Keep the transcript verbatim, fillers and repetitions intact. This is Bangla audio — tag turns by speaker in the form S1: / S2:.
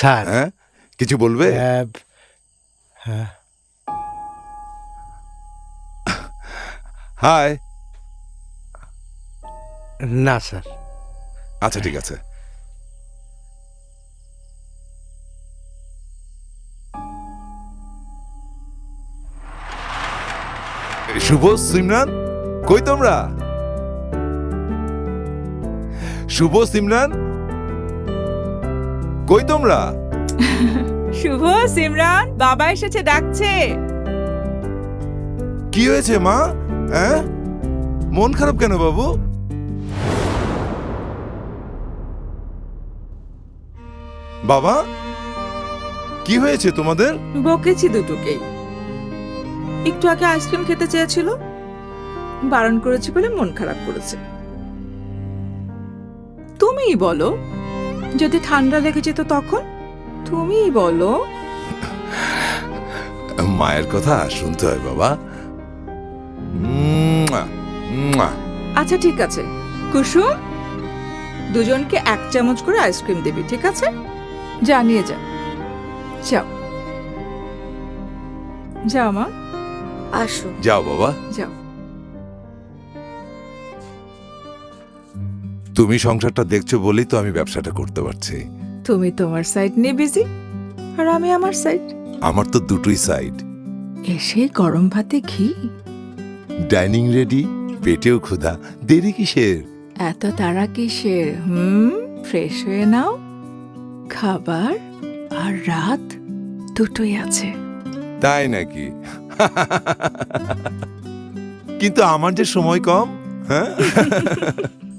S1: স্যার
S2: হ্যাঁ কিছু বলবে?
S1: আহ, হ্যাঁ
S2: হাই।
S1: না স্যার।
S2: আচ্ছা ঠিক আছে। শুভ, সিমরান, কই তোমরা? শুভ, সিমরান, কই তোমরা?
S3: শুভ, সিমরান, বাবা এসেছে, ডাকছে।
S2: কি হয়েছে মা? হ্যাঁ, মন খারাপ কেন বাবু? বাবা, কি হয়েছে তোমাদের?
S3: বকেছি দুটোকেই। একটু আগে আইসক্রিম খেতে চেয়েছিল, বারণ করেছি বলে মন খারাপ করেছে। তুমিই বলো, যদি ঠান্ডা লেগে যেত তখন? তুমিই বলো।
S2: মায়ের কথা শুনতে হয় বাবা। মুয়া, মুয়া।
S3: আচ্ছা ঠিক আছে কুসুম, দুজনকে এক চামচ করে আইসক্রিম দিবি, ঠিক আছে? যা নিয়ে যা, যাও যাও মা, আসো,
S2: যাও বাবা।
S3: যাও।
S2: তুমি সংসারটা দেখছো বলেই তো আমি ব্যবসাটা করতে পারছি।
S3: তুমি তোমার সাইড নিয়ে বিজি, আর আমি আমার সাইড।
S2: আমার তো দুটোই সাইড।
S3: এসে গরম ভাতে ঘি,
S2: ডাইনিং রেডি, পেটেও ক্ষুধা, দেরি কিসের?
S3: এত তাড়া কিসের? হুম, ফ্রেশ হয়ে নাও। খাবার আর রাত দুটোই আছে।
S2: তাই নাকি? কিন্তু আমার যে সময় কম। হ্যাঁ